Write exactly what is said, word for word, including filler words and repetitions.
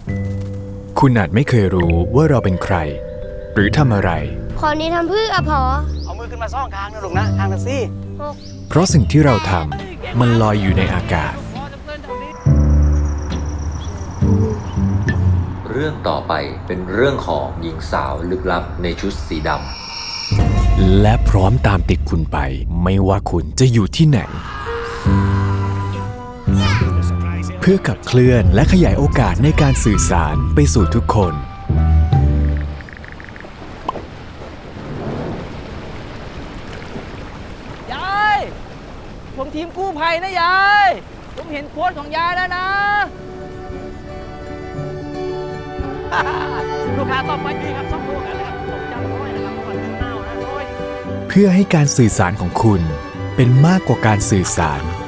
คุณอาจไม่เคยรู้ว่าเราเป็นใคร หรือทำอะไรขอนี้ทำเพื่ออะพอเอามือขึ้นมาซ่องคางนะลูกนะคางนะสิเพราะสิ่งที่เราทำมันลอยอยู่ในอากาศเรื่องต่อไปเป็นเรื่องของหญิงสาวลึกลับในชุดสีดและพร้อมตามติดคุณไป ไม่ว่าคุณจะอยู่ที่ไหน เพื่อขับเคลื่อนและขยายโอกาสในการสื่อสารไปสู่ทุกคนยาย ผมทีมกู้ภัยนะยาย ผมเห็นโค้ดของยายแล้วนะลูกค้าต่อไปดีครับซ่องลูกกันนะครับผมจำร้อยนะครับก่อนขึ้นเต้านะโอ้ยเพื่อให้การสื่อสารของคุณเป็นมากกว่าการสื่อสาร